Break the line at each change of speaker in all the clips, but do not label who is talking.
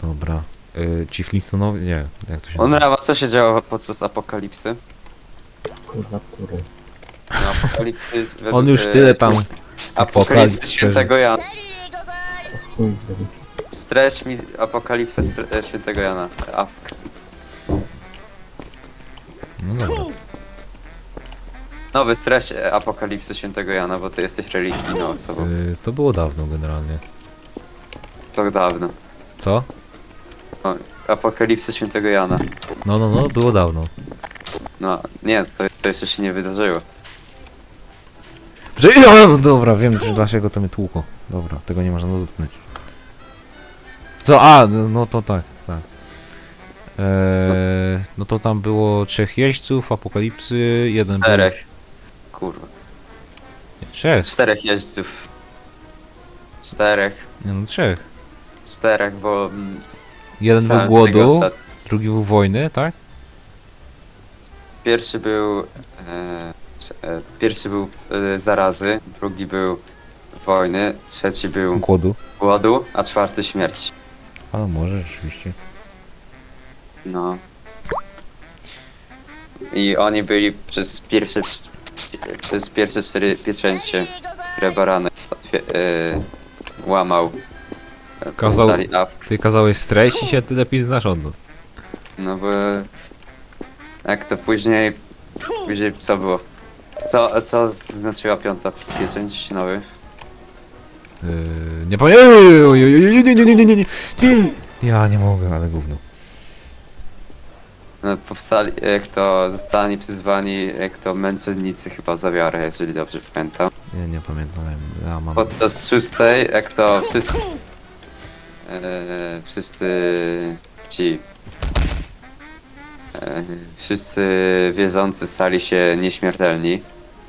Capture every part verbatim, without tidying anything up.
Dobra. Yy, ci Flintstonowie? Nie, jak to się
On
nazywa?
Rawa, co się działo podczas apokalipsy?
Kurwa, który?
No, apokalipsy według,
On już
e,
tyle tam
Apokalipsy
apokalipsy
świętego Jana.
Chuj, byli.
Streść mi apokalipsę stre- e, świętego Jana. Awk.
No dobra.
Nowy streść e, apokalipsy świętego Jana, bo ty jesteś religijną osobą.
Yy, to było dawno generalnie.
To dawno.
Co?
Apokalipsy świętego Jana.
No, no, no, było dawno.
No, nie, to, to jeszcze się nie wydarzyło.
Że ja, dobra, wiem, że dlaczego to mnie tłuko. Dobra, tego nie można dotknąć. Co? A, no to tak, tak. Eee, no to tam było trzech jeźdźców, apokalipsy, jeden
Czterech. Kurwa.
był... Nie, trzech.
Czterech jeźdźców. Czterech.
Nie, no trzech.
Czterech, bo... mm,
Jeden był
pisałem z tego
głodu,
ostat-
drugi był wojny, tak?
Pierwszy był... E, c- e, pierwszy był e, zarazy, drugi był wojny, trzeci był
Głodu.
głodu, a czwarty śmierć.
A może rzeczywiście.
No. I oni byli przez pierwsze... Przez pierwsze cztery pieczęcie, które baranek otwie- e, łamał. e,
Kazał-
powstali awk.
Ty kazałeś streść i się ty lepiej znasz od nas.
No bo... Jak to później... Później co było? Co, co znaczyła piąta pieczęć nowy?
Yy, nie pamiętam. Nie, nie, nie, nie, nie, nie, nie, nie. Ja nie mogę, ale gówno.
No, powstali, jak to zostali przyzwani, jak to męczennicy chyba za wiarę, jeżeli dobrze pamiętam.
Nie, nie pamiętam. Ja mam.
Podczas szóstej, jak to wszyscy... E, wszyscy ci... E, wszyscy wierzący stali się nieśmiertelni.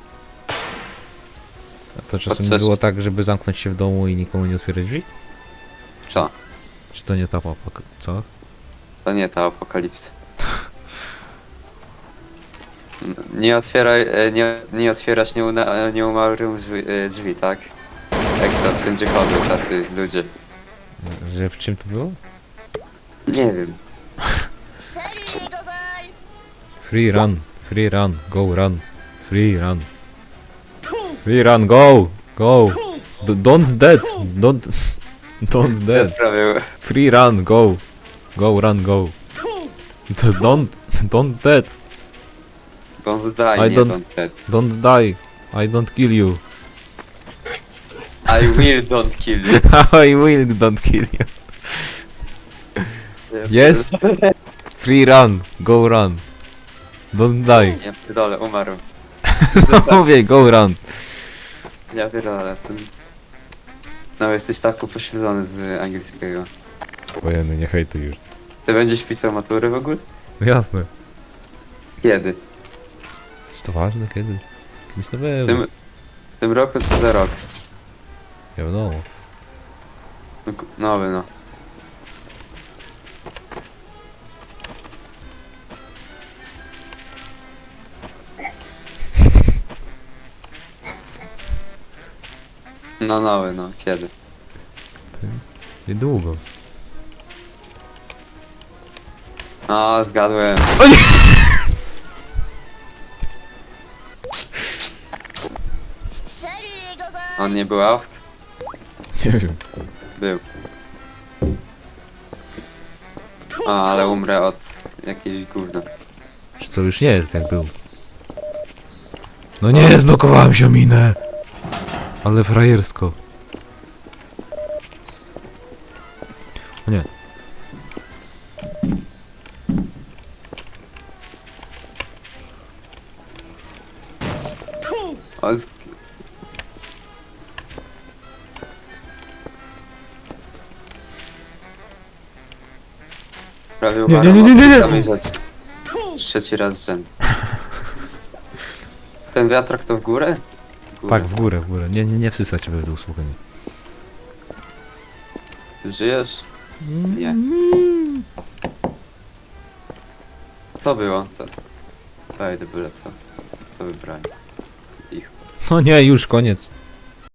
A to czasem nie
podczas-
było tak, żeby zamknąć się w domu i nikomu nie otwierać drzwi?
Co?
Czy to nie ta papa? Co?
To nie ta apokalipsa. Nie otwieraj, e, nie, nie otwierać nieuna, nieumarłym drzwi, e, drzwi, tak? Jak to wszędzie chodzą tacy ludzie.
Że w czym to było?
Nie wiem.
Free run, free run, go run, free run. Free run, go, go. D don't dead, don't, don't dead.
Prawie
Free run, go, go run, go. D don't, don't dead,
don't die,
I
nie
don't-
don't dead.
don't die. I don't kill you.
I will don't kill you.
I will don't kill you. Yes. Free run, go run. Don't die.
Ja pierdolę, umarł.
Mówię, go run.
Ja pierdolę, ten... No jesteś tak upośledzony z angielskiego.
Wojenny, nie hejtuj już.
Ty będziesz pisał matury w ogóle?
No jasne.
Kiedy?
Jest to ważne kiedy? Kiedyś na
W
pewno.
tym, w tym roku czy za rok?
Nie wiadomo.
No, ku- Nowy no. No nowy no, kiedy?
Niedługo.
No, zgadłem. On nie był awk?
Nie wiem.
Był. A, ale umrę od jakiejś gówna.
Czy co już nie jest jak był. No nie, zblokowałem się o minę. Ale frajersko. O nie.
O, z... Prawie
Nie,
umarłem
nie, nie, nie, nie,
od
nie.
tej samej rzeczy. Trzeci raz z rzędu. Ten wiatrak to w górę? W górę.
Tak, w górę, w górę. Nie, nie, nie wsysać cię w dół, słuchanie.
Ty żyjesz? Nie. Co było? To... Daj, to byle co. To wybrali. Ich.
No nie, już koniec.